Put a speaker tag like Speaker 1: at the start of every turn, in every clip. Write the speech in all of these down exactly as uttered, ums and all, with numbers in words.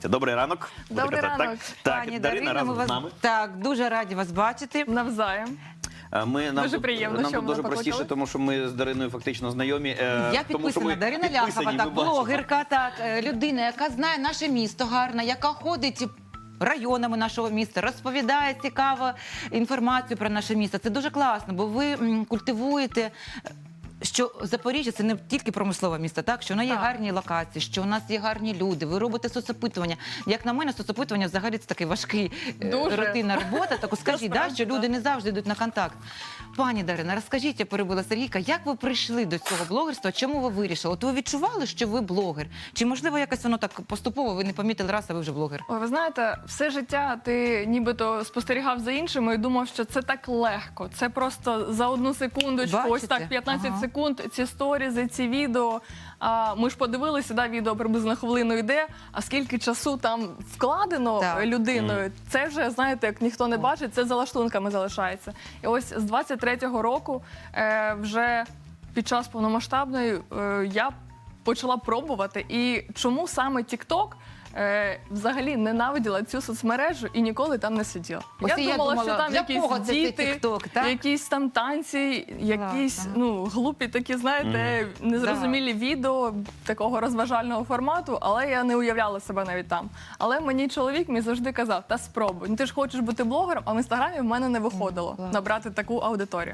Speaker 1: Добрий ранок. Буду
Speaker 2: Добрий
Speaker 1: казати,
Speaker 2: ранок.
Speaker 1: Так,
Speaker 3: Пані
Speaker 1: так Дарина
Speaker 3: Дарина, ми
Speaker 1: разом
Speaker 3: вас
Speaker 1: з нами.
Speaker 3: так дуже раді вас бачити.
Speaker 2: Навзаєм.
Speaker 1: Е, Ми, нам
Speaker 2: Дуже
Speaker 1: тут-
Speaker 2: приємно,
Speaker 1: нам
Speaker 2: що
Speaker 1: тут
Speaker 2: ви
Speaker 1: дуже
Speaker 2: покликали.
Speaker 1: простіше, тому що ми з Дариною фактично знайомі. е,
Speaker 3: Я
Speaker 1: тому що
Speaker 3: підписана
Speaker 1: ми
Speaker 3: Дарина
Speaker 1: підписані,
Speaker 3: Ляхова,
Speaker 1: ми
Speaker 3: так,
Speaker 1: бачимо.
Speaker 3: блогерка, так, е, людина, яка знає наше місто гарно, яка ходить районами нашого міста, розповідає цікаву інформацію про наше місто. Це дуже класно, бо ви м, культивуєте, що Запоріжжя – це не тільки промислове місто, так? Що воно є
Speaker 2: Так.
Speaker 3: гарні локації, що у нас є гарні люди, ви робите соцопитування. Як на мене, соцопитування взагалі це такий важкий, е,
Speaker 2: Дуже.
Speaker 3: рутинна робота. Так скажіть, да,
Speaker 2: Насправді,
Speaker 3: що люди
Speaker 2: так.
Speaker 3: не завжди йдуть на контакт. Пані Дарина, розкажіть, я перебила Сергійка, як ви прийшли до цього блогерства? Чому ви вирішили? От ви відчували, що ви блогер? Чи, можливо, якось воно так поступово, ви не помітили раз, а ви вже блогер?
Speaker 2: Ой, ви знаєте, все життя ти нібито спостерігав за іншими і думав, що це так легко. Це просто за одну секундочку, ось
Speaker 3: Бачите?
Speaker 2: так п'ятнадцять
Speaker 3: Ага.
Speaker 2: секунд, ці сторізи, ці відео. А, ми ж подивилися, да, відео приблизно хвилину йде, а скільки часу там вкладено
Speaker 3: Так.
Speaker 2: людиною, це вже, знаєте, як ніхто не бачить, це за лаштунками залишається. І ось з двадцять третього року е, вже під час повномасштабної е, я почала пробувати. І чому саме TikTok е, взагалі ненавиділа цю соцмережу і ніколи там не сиділа?
Speaker 3: Ось і я
Speaker 2: думала,
Speaker 3: думала,
Speaker 2: що там
Speaker 3: для
Speaker 2: якісь
Speaker 3: кого це цей
Speaker 2: діти,
Speaker 3: TikTok, так?
Speaker 2: якісь там танці, якісь
Speaker 3: ага.
Speaker 2: ну, глупі такі, знаєте, незрозумілі відео такого розважального формату, але я не уявляла себе навіть там. Але мені чоловік мій завжди казав, та спробуй, ну, ти ж хочеш бути блогером, а в Інстаграмі в мене не виходило
Speaker 3: клас.
Speaker 2: набрати таку аудиторію.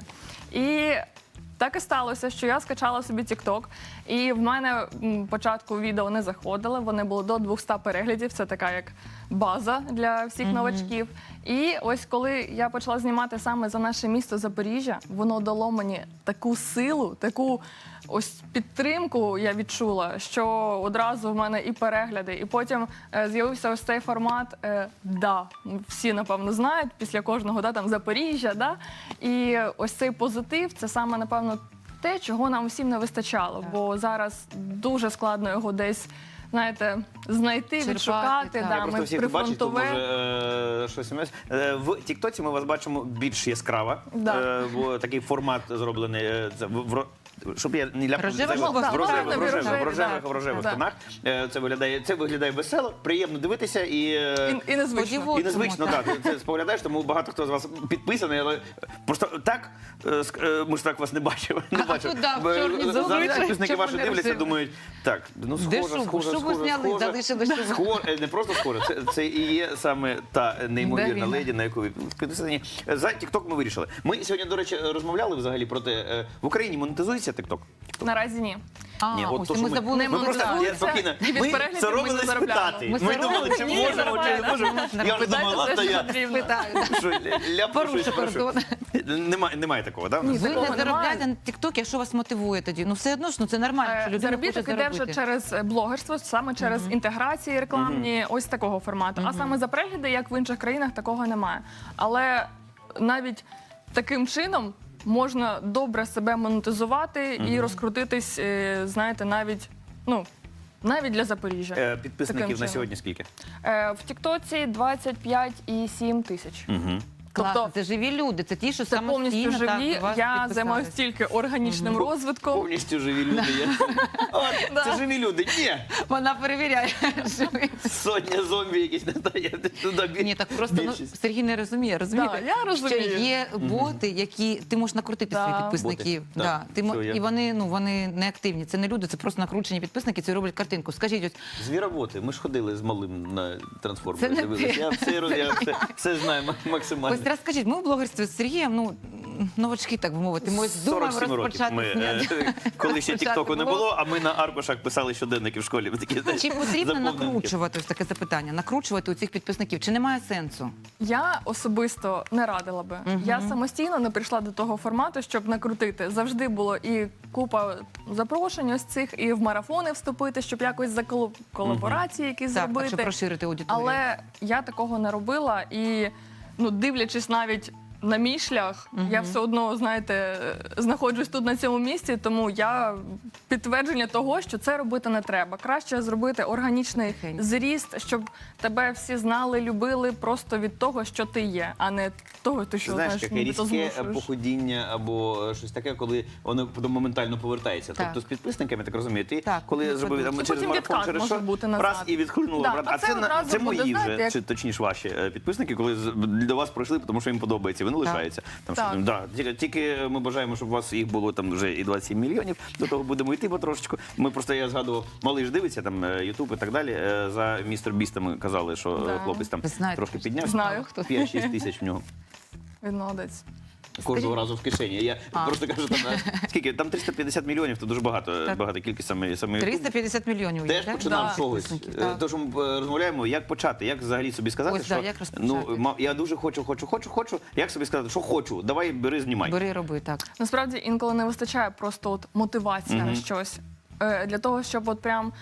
Speaker 2: І так і сталося, що я скачала собі TikTok, і в мене м, початку відео не заходили, вони були до двохсот переглядів, це така як база для всіх новачків. І ось коли я почала знімати саме за наше місто Запоріжжя, воно дало мені таку силу, таку ось підтримку я відчула, що одразу в мене і перегляди, і потім е, з'явився ось цей формат е, «Да». Всі, напевно, знають, після кожного «Да», там Запоріжжя, «Да». І ось цей позитив, це саме, напевно, те, чого нам всім не вистачало, бо зараз дуже складно його десь, знаєте, знайти,
Speaker 3: Черпати,
Speaker 2: відшукати.
Speaker 3: так.
Speaker 2: Да,
Speaker 1: Я просто
Speaker 2: ми
Speaker 1: всіх бачить, то
Speaker 2: прифронтове.
Speaker 1: може е, щось. Е, в Тіктоці ми вас бачимо більш яскраво,
Speaker 2: Да.
Speaker 1: е, бо такий формат зроблений, е, це, в, в, ро- щоб я не ляпнув,
Speaker 3: Рожева
Speaker 1: це-
Speaker 3: жопа,
Speaker 1: в
Speaker 3: так,
Speaker 1: рожевих,
Speaker 2: правильно,
Speaker 1: в рожевих,
Speaker 2: рожеві,
Speaker 1: в рожевих,
Speaker 2: так.
Speaker 1: в рожевих
Speaker 2: Так.
Speaker 1: тонах. Е, Це виглядає, це виглядає весело, приємно дивитися і, е,
Speaker 2: І, і незвично.
Speaker 3: Сподіваюся.
Speaker 1: і незвично,
Speaker 3: так.
Speaker 1: так. Ти це споглядаєш, тому багато хто з вас підписаний, але просто так, е, ск- е, ми ж так вас не бачили. Не
Speaker 3: А
Speaker 1: бачили.
Speaker 3: тут, да, в
Speaker 1: Бо,
Speaker 3: чорній
Speaker 1: е,
Speaker 3: зоні,
Speaker 1: зараз
Speaker 3: так,
Speaker 1: підписники
Speaker 3: щоб
Speaker 1: ваші
Speaker 3: вони
Speaker 1: дивляться,
Speaker 3: розуміли.
Speaker 1: думають, так, ну
Speaker 3: Де
Speaker 1: схоже,
Speaker 3: шубу?
Speaker 1: схоже,
Speaker 3: Шубу
Speaker 1: схоже,
Speaker 3: зняли,
Speaker 1: схоже.
Speaker 3: залишили шубу.
Speaker 1: Схоже, не просто схоже, це, це і є саме та неймовірна
Speaker 3: Дарина.
Speaker 1: леді, на яку ви підписані. За TikTok ми вирішили. Ми сьогодні, до речі, розмовляли взагалі про те, е, в Україні монетизується TikTok?
Speaker 2: Наразі ні.
Speaker 3: А,
Speaker 1: Ні, от
Speaker 3: ось,
Speaker 1: то,
Speaker 3: і
Speaker 1: що
Speaker 3: ми
Speaker 1: ми-
Speaker 3: забули.
Speaker 2: Не
Speaker 1: Ми просто
Speaker 2: монетизується,
Speaker 1: я спокійно.
Speaker 2: і від
Speaker 1: Ми
Speaker 2: переглядів ми
Speaker 1: соромились
Speaker 2: не заробляємо.
Speaker 1: питати.
Speaker 3: Ми
Speaker 1: Ми думали, чи
Speaker 2: Ні,
Speaker 1: можемо, чи не
Speaker 2: нормально.
Speaker 1: можемо. Я вже думала, ладно, я
Speaker 2: потрібно.
Speaker 1: що, ляпну
Speaker 3: Порушу
Speaker 1: щось, прошу.
Speaker 3: кордон.
Speaker 1: Немає, немає такого, так?
Speaker 2: Ні,
Speaker 3: Ви
Speaker 2: такого
Speaker 3: не
Speaker 2: немає.
Speaker 3: заробляєте на TikTok, а що вас мотивує тоді? Ну все одно ж, ну це нормально, що
Speaker 2: Е,
Speaker 3: людина хоче
Speaker 2: Заробіток іде вже
Speaker 3: заробити.
Speaker 2: через е, блогерство, саме через інтеграції рекламні, ось такого формату. А саме за перегляди, як в інших країнах, такого немає. Але навіть таким чином можна добре себе монетизувати і розкрутитись, е, знаєте, навіть, ну, навіть для Запоріжжя.
Speaker 1: Е, Підписників
Speaker 2: Таким
Speaker 1: на
Speaker 2: чином.
Speaker 1: сьогодні скільки?
Speaker 2: Е, В Тіктоці двадцять п'ять і сім тисяч.
Speaker 1: Угу.
Speaker 3: Класно,
Speaker 2: тобто-
Speaker 3: це живі люди, це ті, що
Speaker 2: Це повністю
Speaker 3: самостійно так,
Speaker 2: живі.
Speaker 3: до вас
Speaker 2: Я
Speaker 3: підписались.
Speaker 2: займаюся тільки органічним розвитком.
Speaker 1: Повністю живі люди є. От, Це живі люди. Ні,
Speaker 3: Вона перевіряє. живі.
Speaker 1: сотня зомбі якісь не дає. Туди бі-
Speaker 3: Ні, так просто ну,
Speaker 1: більшість.
Speaker 3: Сергій не розуміє, розумієте?
Speaker 2: Да, я розумію.
Speaker 3: Що є боти, які ти можеш накрутити
Speaker 2: Да.
Speaker 3: своїх підписників.
Speaker 1: Боти,
Speaker 3: Да.
Speaker 1: так,
Speaker 3: Ти, мо-
Speaker 1: все, я-
Speaker 3: і вони, ну, вони не активні, це не люди, це просто накручені підписники, це роблять картинку. Скажіть, ось
Speaker 1: Звіроботи. Ми ж ходили з малим на трансформер.
Speaker 3: Це не
Speaker 1: дивились.
Speaker 3: ти.
Speaker 1: Я все, роз- я все, все знаю ма- максимально.
Speaker 3: ось розкажіть, ми в блогерстві з Сергієм, ну, новачки, так би мовити, ми ось думаємо
Speaker 1: сорок сім років
Speaker 3: розпочати.
Speaker 1: ми, е, коли ще
Speaker 3: Почати
Speaker 1: тіктоку не
Speaker 3: блог.
Speaker 1: було, а ми на аркушах писали щоденники в школі. Такі, знаєш,
Speaker 3: Чи потрібно
Speaker 1: заповненки.
Speaker 3: накручувати, ось таке запитання, накручувати у цих підписників, чи немає сенсу?
Speaker 2: Я особисто не радила би. Я самостійно не прийшла до того формату, щоб накрутити. Завжди було і купа запрошень ось цих, і в марафони вступити, щоб якось за коло- колаборації якісь
Speaker 3: Так, так,
Speaker 2: зробити.
Speaker 3: щоб розширити аудиторію.
Speaker 2: Але я такого не робила і, ну, дивлячись навіть на мій шлях, я все одно, знаєте, знаходжусь тут на цьому місці, тому я підтвердження того, що це робити не треба. Краще зробити органічний
Speaker 3: Тихенько.
Speaker 2: зріст, щоб тебе всі знали, любили просто від того, що ти є, а не того, ти що,
Speaker 1: Знаєш,
Speaker 2: знаєш,
Speaker 1: таке
Speaker 2: нібито
Speaker 1: різке
Speaker 2: змушуєш.
Speaker 1: походіння або е, щось таке, коли воно потім моментально повертається.
Speaker 3: Так.
Speaker 1: Тобто з підписниками, так розумію, ти
Speaker 3: Так,
Speaker 1: коли
Speaker 3: ну,
Speaker 1: зробив там,
Speaker 2: І
Speaker 1: через
Speaker 2: потім
Speaker 1: марафон,
Speaker 2: відкат
Speaker 1: через
Speaker 2: може
Speaker 1: що,
Speaker 2: бути назад.
Speaker 1: раз і відхлинуло.
Speaker 2: Да,
Speaker 1: брат.
Speaker 2: а
Speaker 1: А
Speaker 2: це
Speaker 1: це, на-
Speaker 2: одразу
Speaker 1: це
Speaker 2: буде,
Speaker 1: мої
Speaker 2: знаєте,
Speaker 1: вже,
Speaker 2: як-
Speaker 1: чи точніше ваші е, підписники, коли з- до вас прийшли, тому що їм подобається, вони лишаються. Там, що,
Speaker 2: Так.
Speaker 1: там, да, тільки, тільки ми бажаємо, щоб у вас їх було там вже і двадцять сім мільйонів, до того будемо йти потрошечку. Ми просто, я згадував, малий ж дивиться, там, Ютуб і так далі, е, за містер Бістом казали, що е,
Speaker 2: Да.
Speaker 1: хлопець там
Speaker 3: Ви знаєте,
Speaker 1: трошки піднявся.
Speaker 2: Знаю.
Speaker 1: п'ять-шість тисяч в нього.
Speaker 2: Він молодець.
Speaker 1: Кожного разу в кишені. Я
Speaker 3: А.
Speaker 1: просто кажу, там е, скільки там триста п'ятдесят мільйонів, то дуже багато,
Speaker 3: Так.
Speaker 1: багата кількість саме саме YouTube.
Speaker 3: триста п'ятдесят мільйонів.
Speaker 1: Теж
Speaker 3: є,
Speaker 1: починав
Speaker 2: Да.
Speaker 1: з чогось.
Speaker 3: Підписників,
Speaker 1: Е,
Speaker 3: так.
Speaker 1: Тож ми е, розмовляємо, як почати, як взагалі собі сказати,
Speaker 3: Ось,
Speaker 1: що
Speaker 3: да, як розпочати?
Speaker 1: ну ма- я дуже хочу, хочу, хочу, хочу. Як собі сказати, що хочу, давай бери, знімай.
Speaker 3: Бери, роби, так.
Speaker 2: Насправді інколи не вистачає просто от мотивація на щось. Е, Для того, щоб от прям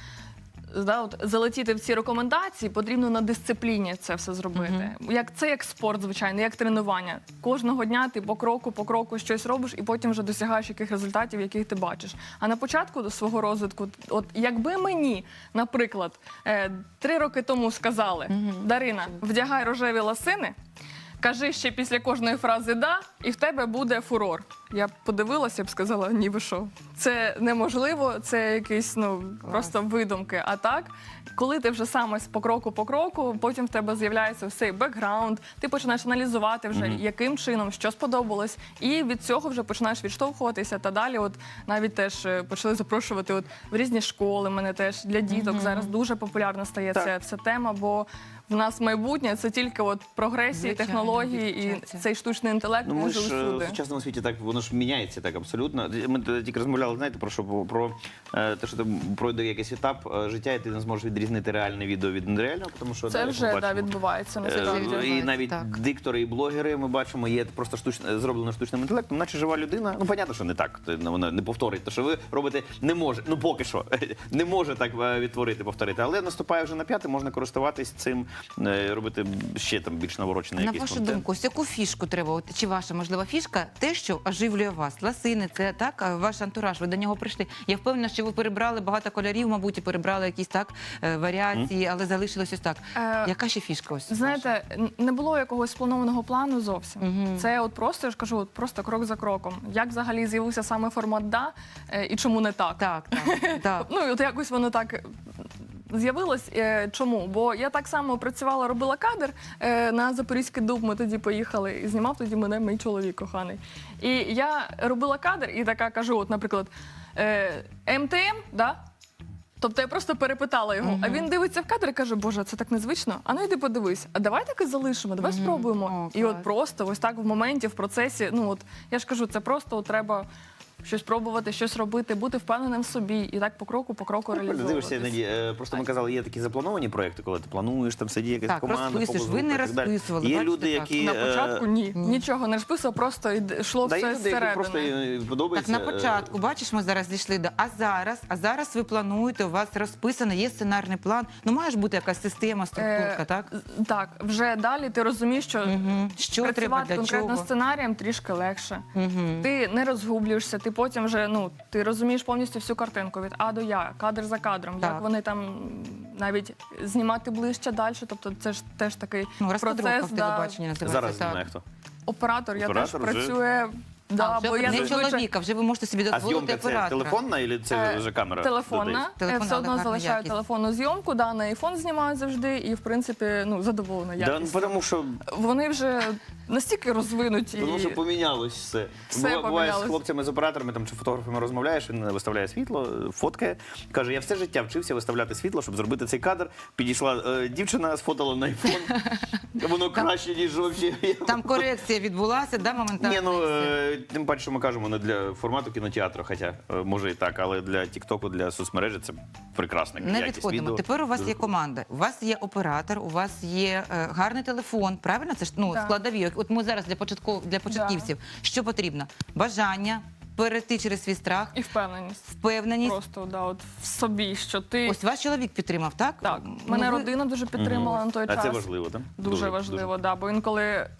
Speaker 2: да, от, залетіти в ці рекомендації, потрібно на дисципліні це все зробити. Як це як спорт, звичайно, як тренування. Кожного дня ти по кроку, по кроку щось робиш, і потім вже досягаєш яких результатів, яких ти бачиш. А на початку свого розвитку, от якби мені, наприклад, е, три роки тому сказали: Дарина, вдягай рожеві лосини. Кажи ще після кожної фрази «да», і в тебе буде фурор. Я б подивилася, б сказала, ні, ви що. Це неможливо, це якісь, ну, просто видумки. А так, коли ти вже сам ось по кроку по кроку, потім в тебе з'являється цей бекграунд, ти починаєш аналізувати вже, яким чином, що сподобалось, і від цього вже починаєш відштовхуватися. Та далі от навіть теж е, почали запрошувати от в різні школи, мене теж для діток зараз дуже популярна стає
Speaker 1: Так.
Speaker 2: ця вся тема, бо в нас майбутнє це тільки от прогресії,
Speaker 3: Звичайно,
Speaker 2: технології і
Speaker 3: вчаться.
Speaker 2: цей штучний інтелект.
Speaker 1: Ну, ми
Speaker 2: він
Speaker 1: ж
Speaker 2: же
Speaker 1: е,
Speaker 2: усюди.
Speaker 1: в сучасному світі так воно ж міняється так абсолютно. Ми т- тільки розмовляли, знаєте, про що про е, те, що ти пройде якийсь етап е, життя, і ти не зможеш відрізнити реальне відео від нереального, тому що
Speaker 2: Це
Speaker 1: да, як
Speaker 2: вже
Speaker 1: ми
Speaker 2: да,
Speaker 1: бачимо,
Speaker 2: відбувається
Speaker 1: е,
Speaker 2: насправді.
Speaker 3: відбувається,
Speaker 1: і навіть
Speaker 3: так.
Speaker 1: диктори і блогери ми бачимо, є просто штучно зроблено штучним інтелектом, наче жива людина. Ну, понятно, що не так. Ти- ну, вона не повторить. То, що ви робите, не може. Ну поки що не може так е, відтворити, повторити. Але наступає вже на п'яте, можна користуватись цим, е, робити ще там більш наворочений
Speaker 3: На
Speaker 1: якийсь
Speaker 3: вашу
Speaker 1: контент.
Speaker 3: думку, ось яку фішку треба? От, чи ваша можлива фішка, те, що оживлює вас? Ласини, це так, а ваш антураж, ви до нього прийшли. Я впевнена, що ви перебрали багато кольорів, мабуть, і перебрали якісь так е, варіації, але залишилось ось так.
Speaker 2: Е,
Speaker 3: Яка ще фішка ось?
Speaker 2: Знаєте, н- не було якогось спланованого плану зовсім.
Speaker 3: Мгм.
Speaker 2: Це от просто, я ж кажу, от просто крок за кроком. Як взагалі з'явився саме формат «да» е, і чому не так?
Speaker 3: Так, так, так.
Speaker 2: Ну, і от якось воно так е, з'явилось. Е, Чому? Бо я так само працювала, робила кадр е, на Запорізький дуб, ми тоді поїхали, і знімав тоді мене мій чоловік коханий. І я робила кадр і така кажу, от, наприклад, е, ем те ем, да? Тобто я просто перепитала його, а він дивиться в кадр і каже, боже, це так незвично, а ну йди подивись, а давай так і залишимо, давай спробуємо.
Speaker 3: О,
Speaker 2: І от
Speaker 3: клас.
Speaker 2: просто ось так в моменті, в процесі, ну от я ж кажу, це просто от, треба щось пробувати, щось робити, бути впевненим в собі і так по кроку, по кроку
Speaker 1: Дивишся,
Speaker 2: реалізовуватись.
Speaker 1: іноді, е, просто ми казали, є такі заплановані проекти, коли ти плануєш, там сидить якась
Speaker 3: Так,
Speaker 1: команда,
Speaker 3: розписуєш. Ви не
Speaker 1: фокус-група і так далі.
Speaker 3: розписували,
Speaker 1: Є
Speaker 3: бачите,
Speaker 1: люди,
Speaker 3: так.
Speaker 1: які...
Speaker 2: На
Speaker 1: е,
Speaker 2: початку ні, нічого не розписував, просто йд- йшло
Speaker 1: да, є
Speaker 2: все
Speaker 1: люди, які
Speaker 2: зсередини.
Speaker 1: просто е,
Speaker 3: Так,
Speaker 1: подобається.
Speaker 3: на
Speaker 1: е,
Speaker 3: початку, бачиш, ми зараз дійшли до. А зараз, а зараз ви плануєте, у вас розписано, є сценарний план. Ну, має ж бути якась система, структурка,
Speaker 2: Е,
Speaker 3: так?
Speaker 2: з- Так, вже далі ти розумієш, що
Speaker 3: Мгм. Що треба,
Speaker 2: працювати
Speaker 3: для
Speaker 2: конкретно
Speaker 3: чого?
Speaker 2: сценарієм трішки легше.
Speaker 3: Мгм.
Speaker 2: Ти не розгублюєшся, ти потім вже ну ти розумієш повністю всю картинку від А до Я, кадр за кадром,
Speaker 3: Так.
Speaker 2: як вони там м, навіть знімати ближче далі. Тобто це ж теж такий
Speaker 3: Ну, розкадровка
Speaker 2: процес.
Speaker 3: в
Speaker 2: Да.
Speaker 3: телебаченні називається.
Speaker 1: Зараз
Speaker 3: так.
Speaker 1: знає хто.
Speaker 2: Оператор, я
Speaker 1: Оператор
Speaker 2: теж
Speaker 1: вже-
Speaker 2: працює. Да,
Speaker 3: А, вже
Speaker 2: бо я
Speaker 3: не
Speaker 2: зазвичай-
Speaker 3: чоловіка, вже ви можете собі
Speaker 1: А
Speaker 3: дозволити
Speaker 1: зйомка це
Speaker 3: оператора.
Speaker 1: телефонна чи це
Speaker 2: Е,
Speaker 1: вже камера?
Speaker 2: Телефонна.
Speaker 1: додається?
Speaker 2: Я
Speaker 3: Телефонна,
Speaker 2: все одно
Speaker 3: але гарна
Speaker 2: залишаю
Speaker 3: якість.
Speaker 2: телефонну зйомку, да, на айфон знімаю завжди, і в принципі ну задоволена
Speaker 1: Да, ну,
Speaker 2: якістю.
Speaker 1: тому що
Speaker 2: Вони вже настільки розвинуті.
Speaker 1: Тому що помінялось все.
Speaker 2: Все
Speaker 1: Бува- Буває з
Speaker 2: помінялось.
Speaker 1: хлопцями, з операторами там, чи фотографами розмовляєш, він виставляє світло, фоткає. Каже, я все життя вчився виставляти світло, щоб зробити цей кадр. Підійшла е, дівчина, сфотала на айфон. Воно краще, ніж взагалі.
Speaker 3: Там корекція відбулася, да, моментально?
Speaker 1: Ні, ну
Speaker 3: і все.
Speaker 1: е, тим паче, що ми кажемо не для формату кінотеатру, хоча е, може і так, але для Тіктоку, для соцмережі це прекрасна
Speaker 3: Не
Speaker 1: якість
Speaker 3: відходимо.
Speaker 1: відео.
Speaker 3: Тепер у вас
Speaker 1: Дуже
Speaker 3: є команда, у вас є оператор, у вас є е, гарний телефон. Правильно? Це ж ну
Speaker 2: Так.
Speaker 3: складові. От ми зараз для початков для початківців. Що потрібно? Бажання перейти через свій страх,
Speaker 2: І впевненість.
Speaker 3: впевненість.
Speaker 2: Просто да, от в собі, що ти
Speaker 3: Ось ваш чоловік підтримав, так?
Speaker 2: так.
Speaker 3: Ну,
Speaker 2: Мене
Speaker 3: ви-
Speaker 2: родина дуже підтримала на той
Speaker 1: А
Speaker 2: час.
Speaker 1: це важливо, так?
Speaker 2: Дуже, важливо, да. Бо інколи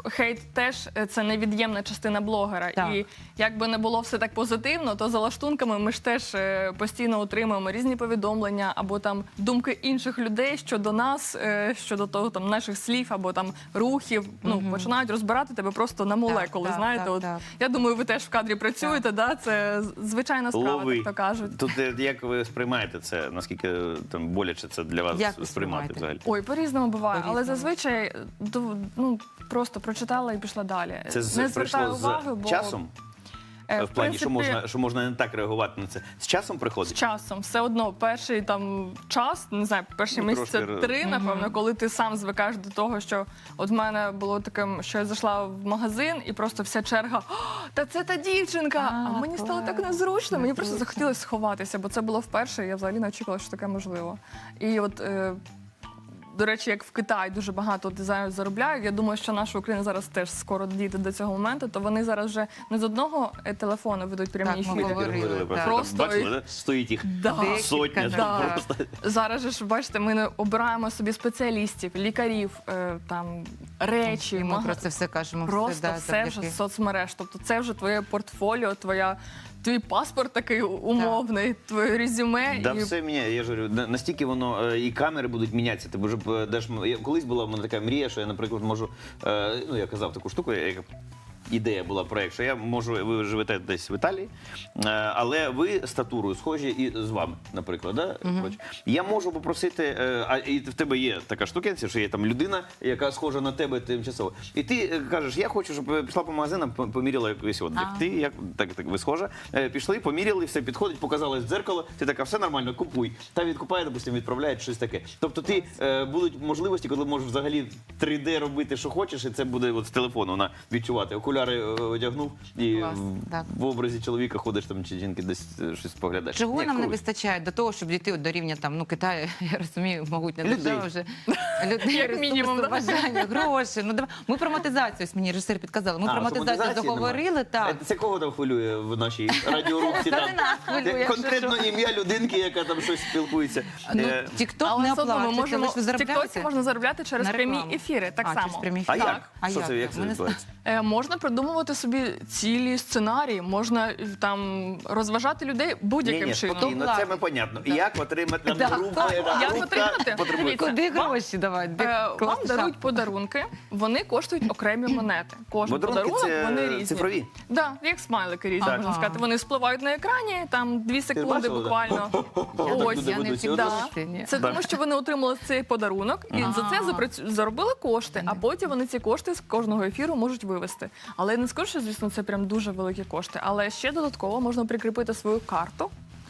Speaker 2: хейт теж е, це невід'ємна частина блогера.
Speaker 3: Так.
Speaker 2: І якби не було все так позитивно, то за лаштунками ми ж теж е, постійно отримуємо різні повідомлення або там думки інших людей щодо нас, е, щодо того там наших слів або там рухів. Ну починають розбирати тебе просто на молекули.
Speaker 3: так,
Speaker 2: знаєте,
Speaker 3: так,
Speaker 2: от
Speaker 3: так.
Speaker 2: я думаю, ви теж в кадрі працюєте. Да, це з- звичайна справа,
Speaker 1: Лови.
Speaker 2: так то кажуть.
Speaker 1: Тут е, як ви сприймаєте це? Наскільки е, там боляче це для вас
Speaker 3: Як ви
Speaker 1: сприймати
Speaker 3: сприймаєте?
Speaker 1: взагалі?
Speaker 2: Ой, по-різному буває, але
Speaker 3: По-різному.
Speaker 2: зазвичай е, ду- ну просто прочитала і пішла далі.
Speaker 1: Це з-
Speaker 2: не звертаю
Speaker 1: прийшло
Speaker 2: уваги,
Speaker 1: з
Speaker 2: бо
Speaker 1: часом?
Speaker 2: е,
Speaker 1: В плані, що
Speaker 2: принципі,
Speaker 1: можна, що можна не так реагувати на це. З часом
Speaker 2: з
Speaker 1: приходить?
Speaker 2: часом все одно перший там час, не знаю, перші
Speaker 1: Ну,
Speaker 2: місяці
Speaker 1: трошки ре-
Speaker 2: три, напевно, коли ти сам звикаєш до того, що от в мене було таким, що я зайшла в магазин і просто вся черга, «О, та це та дівчинка! А,
Speaker 3: А,
Speaker 2: мені стало так
Speaker 3: клас.
Speaker 2: незручно. Мені просто
Speaker 3: Незручно.
Speaker 2: захотілося сховатися, бо це було вперше. і Я взагалі не очікувала, що таке можливо. І от. Е, До речі, як в Китаї дуже багато дизайнерів заробляють. Я думаю, що наша Україна зараз теж скоро дійде до цього моменту, то вони зараз вже не з одного е, телефону ведуть прямі
Speaker 3: Так, ми
Speaker 2: ефіри.
Speaker 3: говорили.
Speaker 1: Говорили про
Speaker 3: так.
Speaker 1: це. Там
Speaker 2: Просто
Speaker 1: бачили,
Speaker 2: і-
Speaker 1: да? Стоїть їх
Speaker 2: Да.
Speaker 3: Декілька,
Speaker 1: сотня.
Speaker 3: да.
Speaker 1: там
Speaker 2: Да.
Speaker 1: просто.
Speaker 2: Зараз же ж бачите, ми не обираємо собі спеціалістів, лікарів, е, там речі,
Speaker 3: І ми
Speaker 2: мага-
Speaker 3: про це все кажемо.
Speaker 2: просто
Speaker 3: да,
Speaker 2: все вже
Speaker 3: завдяки.
Speaker 2: з соцмереж. Тобто це вже твоє портфоліо, твоя. Твій паспорт такий умовний, твоє резюме.
Speaker 1: Да,
Speaker 2: і...
Speaker 1: все міняє. Я ж говорю, на- настільки воно е, і камери будуть мінятися. Ти вже б, де ж м- я- колись була в мене така мрія, що я, наприклад, можу. е, Ну, я казав таку штуку, як ідея була проект, що я можу, ви живете десь в Італії, е, але ви статурою схожі і з вами, наприклад. Да? Хоч. Я можу попросити, е, а і в тебе є така штукенція, що є там людина, яка схожа на тебе тимчасово. І ти е, кажеш, я хочу, щоб ви пішла по магазинам, по- поміряла якийсь одяг.
Speaker 3: А.
Speaker 1: Ти як так, так ви схожа. Е, Пішли, поміряли, все підходить, показали в дзеркало. Ти така, все нормально, купуй. Та відкупає, допустимо, відправляє щось таке. Тобто, ти е, будуть можливості, коли можеш взагалі три де робити, що хочеш, і це буде от з телефону вона відчувати. Окуляри е, одягнув і
Speaker 3: Клас,
Speaker 1: в,
Speaker 3: так.
Speaker 1: в образі чоловіка ходиш там чи жінки десь е, щось поглядаєш.
Speaker 3: Чого
Speaker 1: Ні,
Speaker 3: нам не
Speaker 1: круто.
Speaker 3: вистачає до того, щоб дійти от до рівня там, ну, Китаю, я розумію, могутня
Speaker 1: Людей.
Speaker 3: держава вже. Людей,
Speaker 2: Як мінімум,
Speaker 3: ресурси,
Speaker 2: да?
Speaker 3: бажання, гроші. Ну, давай. Ми про монетизацію, ось мені режисер підказали, ми
Speaker 1: А,
Speaker 3: про
Speaker 1: що
Speaker 3: монетизацію
Speaker 1: монетизації
Speaker 3: заговорили,
Speaker 1: немає?
Speaker 3: так.
Speaker 1: Е, Це кого там хвилює в нашій радіорубці?
Speaker 3: Це
Speaker 1: там?
Speaker 3: не нас хвилює,
Speaker 1: Е,
Speaker 3: якщо
Speaker 1: Конкретно
Speaker 3: що.
Speaker 1: ім'я людинки, яка там щось спілкується.
Speaker 3: Ну,
Speaker 1: Е,
Speaker 3: Тікток
Speaker 2: Але
Speaker 3: не
Speaker 2: все одно ми
Speaker 3: оплачується,
Speaker 2: можемо
Speaker 3: лише ви
Speaker 2: в Тіктоці
Speaker 3: заробляєте
Speaker 2: можна заробляти через
Speaker 3: на
Speaker 2: прямі
Speaker 3: рекламу.
Speaker 2: ефіри. Так
Speaker 3: А,
Speaker 2: само.
Speaker 3: через прямі
Speaker 1: А
Speaker 3: ефіри.
Speaker 1: як?
Speaker 3: А
Speaker 1: Що
Speaker 3: як?
Speaker 1: це, як це
Speaker 3: Ми не
Speaker 1: відбувається?
Speaker 2: Е, Можна придумувати собі цілі сценарії, можна е, там розважати людей будь-яким
Speaker 1: Ні-ні,
Speaker 2: чином.
Speaker 1: спокійно, це ми понятно. Як отримати там
Speaker 3: Да.
Speaker 1: група, е,
Speaker 2: Як
Speaker 1: група
Speaker 2: отримати?
Speaker 1: потребує.
Speaker 2: Дивіться,
Speaker 3: Куди
Speaker 2: вам-
Speaker 3: гроші давати? Де
Speaker 2: Е, Вам
Speaker 3: класний
Speaker 2: дарують
Speaker 3: шаг.
Speaker 2: подарунки, вони коштують окремі монети. Кожен
Speaker 1: Подарунки
Speaker 2: подарунок
Speaker 1: це
Speaker 2: вони різні.
Speaker 1: цифрові?
Speaker 2: Да, як смайлики різні,
Speaker 3: Так.
Speaker 2: можна сказати. Вони спливають на екрані, там дві секунди
Speaker 1: бачила, да?
Speaker 2: буквально.
Speaker 1: Я так
Speaker 2: Ось.
Speaker 1: туди
Speaker 3: Я не
Speaker 1: веду
Speaker 3: всегда
Speaker 1: сьогодні.
Speaker 3: бачила, ні.
Speaker 2: Це тому, що вони отримали цей подарунок і за це запрацю- заробили кошти, а потім вони ці кошти з кожного ефіру можуть вивести. Але я не скажу, що, звісно, це прям дуже великі кошти. Але ще додатково можна прикріпити свою карту.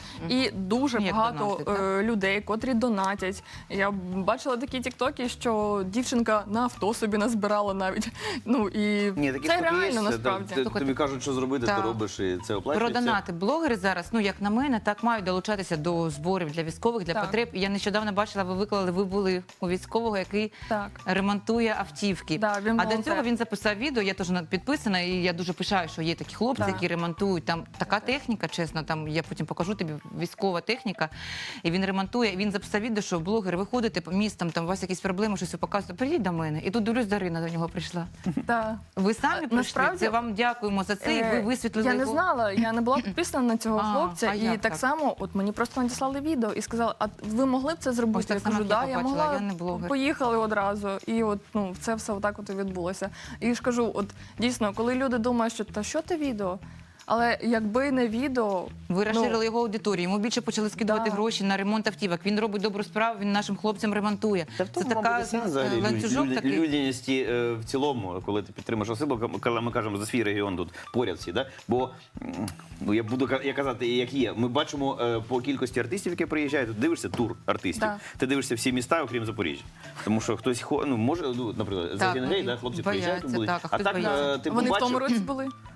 Speaker 2: І дуже
Speaker 3: Як
Speaker 2: багато
Speaker 3: донатить, так?
Speaker 2: е, людей, котрі донатять. Я бачила такі тіктоки, що дівчинка на авто собі назбирала навіть. Ну і
Speaker 1: Ні, такі
Speaker 2: це
Speaker 1: штуки
Speaker 2: реально
Speaker 1: є, це,
Speaker 2: насправді.
Speaker 1: ти- Тобі кажуть, що зробити, ти
Speaker 3: Так.
Speaker 1: робиш, і це
Speaker 3: Про
Speaker 1: оплачується.
Speaker 3: донати. Блогери зараз, ну як на мене, так мають долучатися до зборів для військових, для
Speaker 2: Так.
Speaker 3: потреб. І я нещодавно бачила, ви виклали, ви були у військового, який
Speaker 2: Так.
Speaker 3: ремонтує автівки.
Speaker 2: Да, він
Speaker 3: а до
Speaker 2: волонтер.
Speaker 3: цього він записав відео. Я теж на- підписана, і я дуже пишаю, що є такі хлопці,
Speaker 2: Так.
Speaker 3: які ремонтують. Там така техніка, чесно, там я потім покажу тобі військова техніка. І він ремонтує. І він записав відео, що блогери, ви ходите по містам, там у вас якісь проблеми, щось ви показуєте. Прийдіть до мене. І тут дивлюсь, Дарина до нього прийшла.
Speaker 2: Так.
Speaker 3: Ви самі
Speaker 2: А,
Speaker 3: прийшли.
Speaker 2: насправді-
Speaker 3: Це вам дякуємо за це. І ви
Speaker 2: Е,
Speaker 3: висвітлили
Speaker 2: Я не
Speaker 3: його.
Speaker 2: знала, я не була підписана на цього
Speaker 3: А,
Speaker 2: хлопця.
Speaker 3: а
Speaker 2: І
Speaker 3: як
Speaker 2: так,
Speaker 3: так?
Speaker 2: само, от мені просто надіслали відео і сказали, а ви могли б це
Speaker 3: Ось
Speaker 2: зробити?
Speaker 3: так
Speaker 2: Я
Speaker 3: само,
Speaker 2: кажу,
Speaker 3: як я
Speaker 2: да, я
Speaker 3: побачила,
Speaker 2: могла.
Speaker 3: я не блогер.
Speaker 2: Поїхали одразу. І от ну це все отак от і відбулося. І ж кажу, от дійсно, коли люди думають, що та що те відео? Але якби не відео,
Speaker 3: Ви
Speaker 2: ну,
Speaker 3: розширили його аудиторію. Йому більше почали скидувати
Speaker 2: Да.
Speaker 3: гроші на ремонт автівок. Він робить добру справу, він нашим хлопцям ремонтує.
Speaker 1: Та в тому,
Speaker 3: Це така
Speaker 1: мабуть, і сенс взагалі
Speaker 3: е, ланцюжок
Speaker 1: люд-
Speaker 3: такий.
Speaker 1: людяності е, в цілому, коли ти підтримуєш особу, коли ми кажемо за свій регіон тут поряд всі, да? Бо м, ну я буду ка- я казати, як є. Ми бачимо е, по кількості артистів, які приїжджають, ти дивишся тур артистів.
Speaker 2: Так.
Speaker 1: Ти дивишся всі міста, окрім Запоріжжя. Тому що хтось хо- ну може, ну, наприклад, за
Speaker 3: Так,
Speaker 1: Генгей,
Speaker 3: ну,
Speaker 1: да, хлопці
Speaker 3: бояться,
Speaker 1: приїжджають, тут будуть.
Speaker 3: так, а
Speaker 1: а
Speaker 3: хтось
Speaker 1: так
Speaker 3: боїться.
Speaker 1: е, ти
Speaker 2: вони в
Speaker 1: побачив,
Speaker 2: тому році були.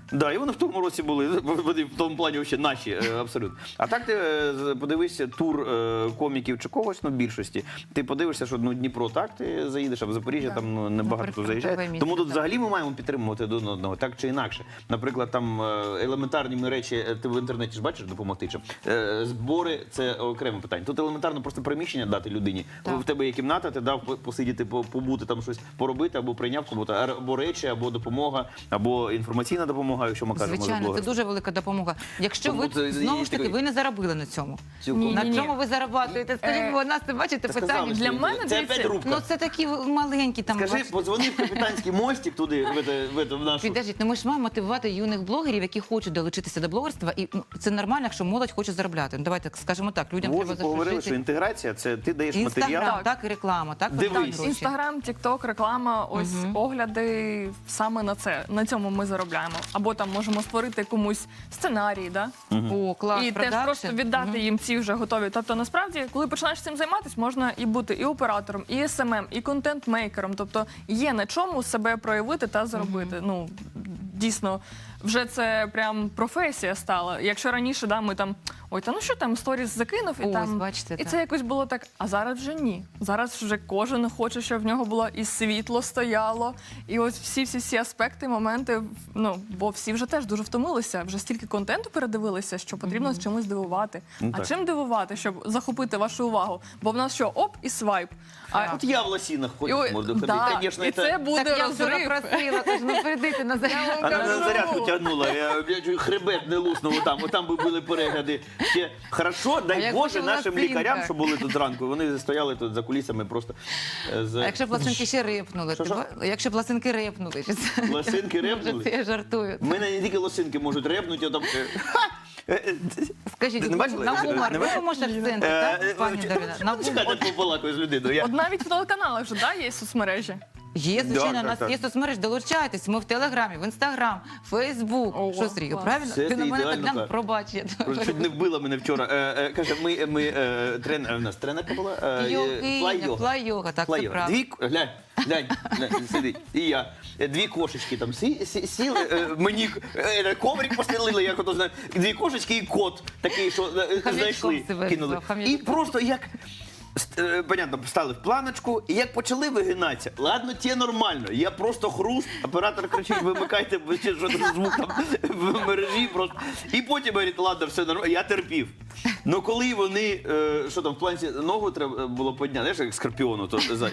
Speaker 1: Да, і вони в тому році були, вони в тому плані ще наші, е, абсолютно. А так ти е, з- подивишся тур е, коміків чи когось, ну, більшості. Ти подивишся, що ну, Дніпро так, ти заїдеш, а в Запоріжжя
Speaker 2: Да.
Speaker 1: там ну, небагато хто
Speaker 3: прифронтове
Speaker 1: заїжджає.
Speaker 3: місце,
Speaker 1: Тому тут
Speaker 3: так.
Speaker 1: взагалі ми маємо підтримувати один одного, так чи інакше. Наприклад, там е, елементарні ми речі, е, ти в інтернеті ж бачиш допомогти чим. Е, Збори це окреме питання. Тут елементарно просто приміщення дати людині.
Speaker 3: Так.
Speaker 1: В тебе є кімната, ти дав по- посидіти, по- побути там щось поробити, або прийняв кому-то, або речі, або допомога, або інформаційна допомога, якщо ми кажемо за
Speaker 3: Звичайно, це
Speaker 1: блогерство.
Speaker 3: дуже велика допомога. Якщо
Speaker 1: Тому
Speaker 3: ви
Speaker 1: це-
Speaker 3: знову
Speaker 1: і
Speaker 3: ж таки
Speaker 1: такий-
Speaker 3: ви не заробили на цьому.
Speaker 1: Цілком.
Speaker 2: Ні,
Speaker 3: На
Speaker 2: ні.
Speaker 3: чому ви зарабатуєте? Скажіть,
Speaker 2: Е,
Speaker 3: бо у нас це бачите
Speaker 1: Та
Speaker 3: питання.
Speaker 1: сказали,
Speaker 2: Для
Speaker 1: що
Speaker 2: мене,
Speaker 1: це
Speaker 2: дивіться,
Speaker 1: опять рубка.
Speaker 3: Ну це такі маленькі там.
Speaker 1: Скажи,
Speaker 3: бачите.
Speaker 1: подзвони в капітанський мостик туди, в, это, в, это, в нашу.
Speaker 3: Підождіть, ну ми ж маємо мотивувати юних блогерів, які хочуть долучитися до блогерства, і ну, це нормально, якщо молодь хоче заробляти. Ну давайте скажемо так, людям
Speaker 1: Боже,
Speaker 3: треба
Speaker 1: поговорили, що
Speaker 3: заслужити.
Speaker 1: інтеграція це ти даєш матеріал.
Speaker 3: Інстаграм,
Speaker 2: Так.
Speaker 3: так, і реклама, так?
Speaker 1: Дивись.
Speaker 3: Заробляють гроші.
Speaker 2: Інстаграм, Тікток, реклама, ось огляди саме на це. На цьому ми заробляємо. Або там можемо створити комусь сценарій, да?
Speaker 3: О, клас,
Speaker 2: і теж
Speaker 3: продакшн.
Speaker 2: просто віддати їм ці вже готові. Тобто, насправді, коли починаєш цим займатися, можна і бути і оператором, і ес ем ем, і контент-мейкером. Тобто є на чому себе проявити та заробити. Ну дійсно, вже це прям професія стала. Якщо раніше да, ми там ой, та ну що там сторіс закинув, і
Speaker 3: Ось,
Speaker 2: там
Speaker 3: бачите,
Speaker 2: і
Speaker 3: так.
Speaker 2: це якось було так. А зараз вже ні. Зараз вже кожен хоче, щоб в нього було і світло стояло, і ось всі всі всі аспекти, моменти. Ну бо всі вже теж дуже втомилися. Вже стільки контенту передивилися, що потрібно з чимось дивувати.
Speaker 1: Ну,
Speaker 2: а
Speaker 1: так.
Speaker 2: чим дивувати, щоб захопити вашу увагу? Бо в нас що оп і свайп. А
Speaker 1: От я в лосінах
Speaker 2: і,
Speaker 1: ходив,
Speaker 2: ой,
Speaker 1: можу ходити.
Speaker 2: да,
Speaker 1: Звісно,
Speaker 2: і це буде
Speaker 3: Так я вчора
Speaker 2: розрив.
Speaker 3: просила, кажу, ну перейдите на зарядку.
Speaker 1: А на
Speaker 2: кажу.
Speaker 1: зарядку тягнула, я, я чую, хребет не луснув там, отам би були перегляди. Ще хорошо, дай
Speaker 3: як
Speaker 1: Боже,
Speaker 3: буде
Speaker 1: нашим
Speaker 3: лосинка?
Speaker 1: лікарям, що були тут зранку, вони стояли тут за кулісами просто. е, з-
Speaker 3: А якщо пластинки ще репнули?
Speaker 1: Що,
Speaker 3: ти
Speaker 1: що?
Speaker 3: ба- Якщо пластинки репнули? чи це-
Speaker 1: Лосинки
Speaker 3: Може,
Speaker 1: репнули?
Speaker 3: це я жартую.
Speaker 1: У мене не тільки лосинки можуть репнути, а там... е, ха! Е, е,
Speaker 3: Скажіть,
Speaker 1: Ти не бачила?
Speaker 3: на
Speaker 1: Не
Speaker 3: гумор, ви
Speaker 1: бачила?
Speaker 3: можете акценти,
Speaker 1: е,
Speaker 3: так, пані
Speaker 1: е,
Speaker 3: Дарина? На
Speaker 1: Чекайте,
Speaker 3: гумор.
Speaker 1: я побалакаю з людиною. Я-
Speaker 2: От навіть в телеканалах вже да, є соцмережі.
Speaker 3: Є,
Speaker 1: Да,
Speaker 3: звичайно,
Speaker 1: так,
Speaker 3: у нас
Speaker 1: так.
Speaker 3: є соцмережі, долучайтесь. Ми в Телеграмі, в Інстаграм, Фейсбук.
Speaker 2: Ого,
Speaker 3: Що, Сергій,
Speaker 2: клас.
Speaker 3: правильно?
Speaker 1: Все
Speaker 3: Ти
Speaker 1: це
Speaker 3: на мене так
Speaker 1: ідеально,
Speaker 3: глянув,
Speaker 1: так.
Speaker 3: пробач. я
Speaker 1: Просто чуть не вбила мене вчора. Е, е, каже, ми, ми е, тренер, у нас тренерка була? Е,
Speaker 3: Йогиня,
Speaker 1: флай-йога.
Speaker 3: флай-йога, так, це
Speaker 1: Флай-йога.
Speaker 3: правда.
Speaker 1: Дві, к- глянь, глянь, глянь, сидить. І я. Е, Дві кошечки там сі, сі, сіли, е, мені е, коврик постелили, як ото знаю. Дві кошечки і кот такий, що е,
Speaker 3: Хам'ячком
Speaker 1: знайшли,
Speaker 3: себе
Speaker 1: кинули.
Speaker 3: назвав, хам'ячком.
Speaker 1: І просто як... ст- е, Понятно, стали в планочку, і як почали вигинатися, ладно, ті нормально, я просто хруст, оператор кричить, вимикайте, бо ще що там звук там в мережі просто. І потім говорить, ладно, все нормально, я терпів. Ну коли вони, е, що там, в планці ногу треба було підняти, знаєш, як скорпіону, то за-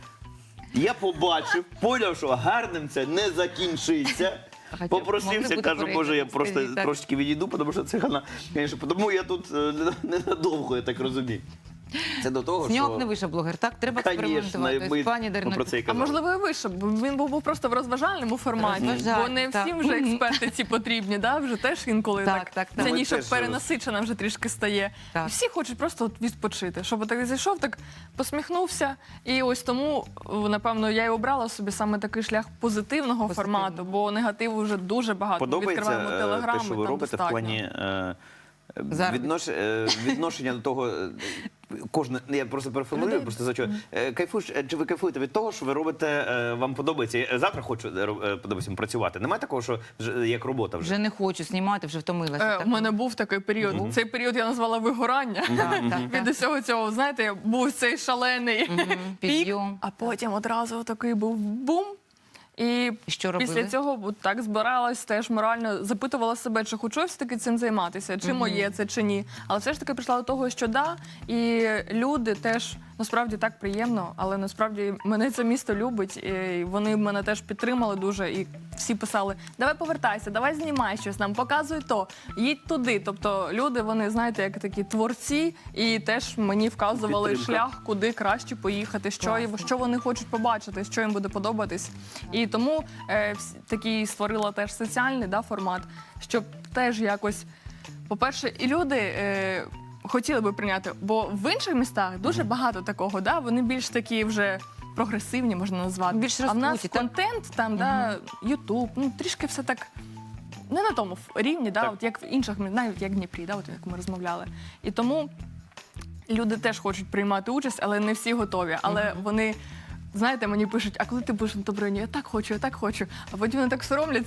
Speaker 1: я побачив, поняв, що гарним це не закінчиться.
Speaker 3: Хоча б
Speaker 1: Попросився,
Speaker 3: могли бути
Speaker 1: кажу, може, я
Speaker 3: перегляди,
Speaker 1: просто
Speaker 3: скажіть, так.
Speaker 1: трошечки відійду, тому що це вона, звісно, тому я тут е, ненадовго, я так розумію. Це до того,
Speaker 3: З нього б
Speaker 1: що...
Speaker 3: не вийшов блогер, так? Треба
Speaker 1: Конечно,
Speaker 3: експериментувати.
Speaker 1: ми
Speaker 3: Ось, пані Дарино,
Speaker 1: про це і
Speaker 2: А
Speaker 1: казали.
Speaker 2: можливо, і вийшов, бо він був просто в розважальному форматі,
Speaker 3: Розважальний,
Speaker 2: бо не
Speaker 3: так.
Speaker 2: всім вже експерти ці потрібні, да? Вже теж інколи
Speaker 3: Так,
Speaker 2: так,
Speaker 3: так, так.
Speaker 2: ця
Speaker 1: Ми
Speaker 2: ніша
Speaker 1: теж
Speaker 2: перенасичена вже трішки стає.
Speaker 3: Так.
Speaker 2: І всі хочуть просто от відпочити, щоб так зайшов, так посміхнувся. І ось тому, напевно, я і обрала собі саме такий шлях позитивного
Speaker 3: Позитивного.
Speaker 2: формату, бо негативу вже дуже багато. Ми
Speaker 1: Подобається
Speaker 2: відкриваємо
Speaker 1: е,
Speaker 2: телеграм,
Speaker 1: те, що
Speaker 2: і
Speaker 1: ви
Speaker 2: там
Speaker 1: робите в
Speaker 2: достатньо.
Speaker 1: плані е,
Speaker 3: Заробітку.
Speaker 1: віднош, е, відношення до того. е, Кожне, я просто переформулюю,
Speaker 2: Людей.
Speaker 1: просто за що. Е, Кайфуєш, е, чи ви кайфуєте від того, що ви робите, е, вам подобається? Я завтра хочу е, роб- е, подобається працювати. Немає такого, що вже як робота вже.
Speaker 3: Вже не хочу знімати, вже втомилася.
Speaker 2: Е,
Speaker 3: так?
Speaker 2: У мене був такий період. Цей період я назвала вигорання.
Speaker 3: Так, так,
Speaker 2: Від
Speaker 3: так.
Speaker 2: усього цього, знаєте, був цей шалений
Speaker 3: Мгм,
Speaker 2: пік,
Speaker 3: підйом.
Speaker 2: а потім одразу такий був бум. І
Speaker 3: І що робили?
Speaker 2: після цього от так збиралась, теж морально запитувала себе, чи хочу я все-таки цим займатися, чи моє це, чи ні. Але все ж таки прийшла до того, що да, і люди теж насправді так приємно, але насправді мене це місто любить, і вони мене теж підтримали дуже, і всі писали, давай повертайся, давай знімай щось нам, показуй то, їдь туди. Тобто люди, вони, знаєте, як такі творці, і теж мені вказували
Speaker 1: Підтримка.
Speaker 2: шлях, куди краще поїхати, що,
Speaker 3: Класно.
Speaker 2: що вони хочуть побачити, що їм буде подобатись. І тому е, всі- такий створила теж соціальний да, формат, щоб теж якось, по-перше, і люди е, хотіли би прийняти, бо в інших містах дуже багато такого, да, вони більш такі вже прогресивні, можна назвати.
Speaker 3: Більш
Speaker 2: а в нас
Speaker 3: розкруті, так?
Speaker 2: контент, там, да, Ютуб, ну трішки все так. Не на тому ф- рівні, да,
Speaker 1: Так.
Speaker 2: от як в інших, мі- навіть як в Дніпрі, да, от як ми розмовляли. І тому люди теж хочуть приймати участь, але не всі готові. Але вони, знаєте, мені пишуть, а коли ти будеш на Добрині? Я так хочу, я так хочу. А потім вони так соромляться.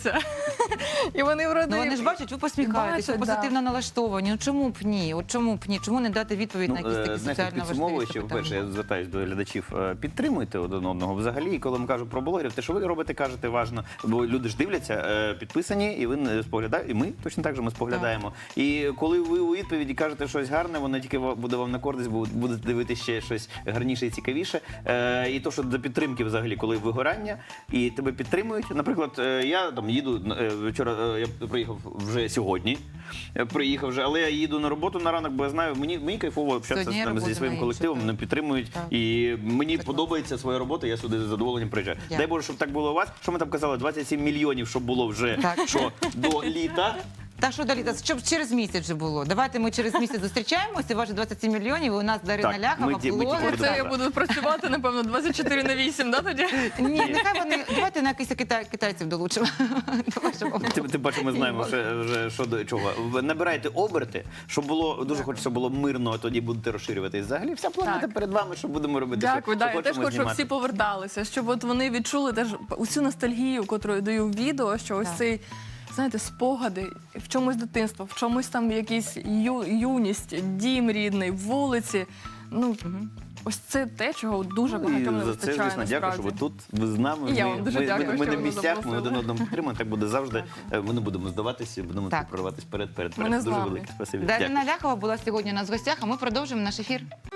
Speaker 2: І вони вроде...
Speaker 3: Ну вони ж бачать, ви посміхаєтесь, ви
Speaker 2: Бачать, да.
Speaker 3: позитивно налаштовані. Ну чому б ні? От чому б ні? Чому не дати відповідь на якісь
Speaker 1: е,
Speaker 3: такі
Speaker 1: знаєте,
Speaker 3: соціально важливі
Speaker 1: підсумовуючи, по-перше,
Speaker 3: питання?
Speaker 1: я звертаюсь до глядачів, е, підтримуйте один одного взагалі. І коли ми кажемо про блогерів, те, що ви робите, кажете, важно, бо люди ж дивляться, е, підписані, і ви не споглядаєте, і ми точно так же ми споглядаємо. І коли ви у відповіді кажете щось гарне, воно тільки ва- буде вам на користь, бо будете дивитися ще щось гарніше і цікавіше. Е, і то, що до підтримки взагалі, коли вигорання, і тебе підтримують. Наприклад, е, я там їду е, вчора, е, я приїхав вже сьогодні, е, приїхав вже, але я їду на роботу на ранок, бо я знаю, мені, мені кайфово общатися
Speaker 3: Сьогодні
Speaker 1: з ними,
Speaker 3: робота
Speaker 1: зі своїм
Speaker 3: на
Speaker 1: колективом,
Speaker 3: інше,
Speaker 1: мене підтримують.
Speaker 3: Так.
Speaker 1: І мені
Speaker 3: Так.
Speaker 1: подобається своя робота, я сюди з задоволенням приїжджаю.
Speaker 3: Дякую.
Speaker 1: Дай Боже, щоб так було у вас. Що ми там казали? двадцять сім мільйонів, щоб було вже
Speaker 3: Так.
Speaker 1: що, до літа.
Speaker 3: Та що далі? Та щоб через місяць вже було. Давайте ми через місяць зустрічаємося. Ваші двадцять сім мільйонів. У нас Дарина
Speaker 1: Так,
Speaker 3: Ляхова,
Speaker 1: ми ті- ми ті
Speaker 3: блогер.
Speaker 1: будемо.
Speaker 2: Це я буду працювати, напевно, двадцять чотири на вісім, да, тоді?
Speaker 3: Ні, нехай вони давайте на якихось китай, китайців долучимо. До вашого
Speaker 1: Ти, ти бачиш, ми знаємо вже, вже що до чого. Ви набирайте оберти, щоб було дуже хочеться було мирно, а тоді будете розширюватись. Взагалі, вся планета
Speaker 2: Так.
Speaker 1: перед вами, що будемо робити.
Speaker 2: Дякую,
Speaker 1: що,
Speaker 2: да,
Speaker 1: що
Speaker 2: я теж
Speaker 1: хочемо
Speaker 2: хочу, щоб
Speaker 1: знімати.
Speaker 2: всі поверталися, щоб от вони відчули теж усю ностальгію, яку я даю в відео, що ось
Speaker 3: Так.
Speaker 2: цей, знаєте, спогади в чомусь дитинство, в чомусь там якісь ю, юність, дім рідний, вулиці. Ну, ось це те, чого дуже
Speaker 1: Ну,
Speaker 2: багатьом не
Speaker 1: і за це,
Speaker 2: вистачає,
Speaker 1: звісно, дякую, що ви
Speaker 2: насправді.
Speaker 1: тут, ви з нами.
Speaker 2: І я
Speaker 1: ми,
Speaker 2: вам дуже
Speaker 1: ми,
Speaker 2: дякую,
Speaker 1: ми, ми
Speaker 2: що
Speaker 1: на
Speaker 2: ви
Speaker 1: місцях, ми
Speaker 2: запросили.
Speaker 1: один одному підтримуємо, так буде завжди. Е, Ми не будемо здаватися, будемо
Speaker 3: Так.
Speaker 1: прориватись перед перед
Speaker 2: Ми
Speaker 1: перед.
Speaker 2: не
Speaker 1: Дуже
Speaker 2: зламні.
Speaker 1: велике спасибі. Дякую.
Speaker 3: Дарина Ляхова була сьогодні у нас в гостях, а ми продовжимо наш ефір.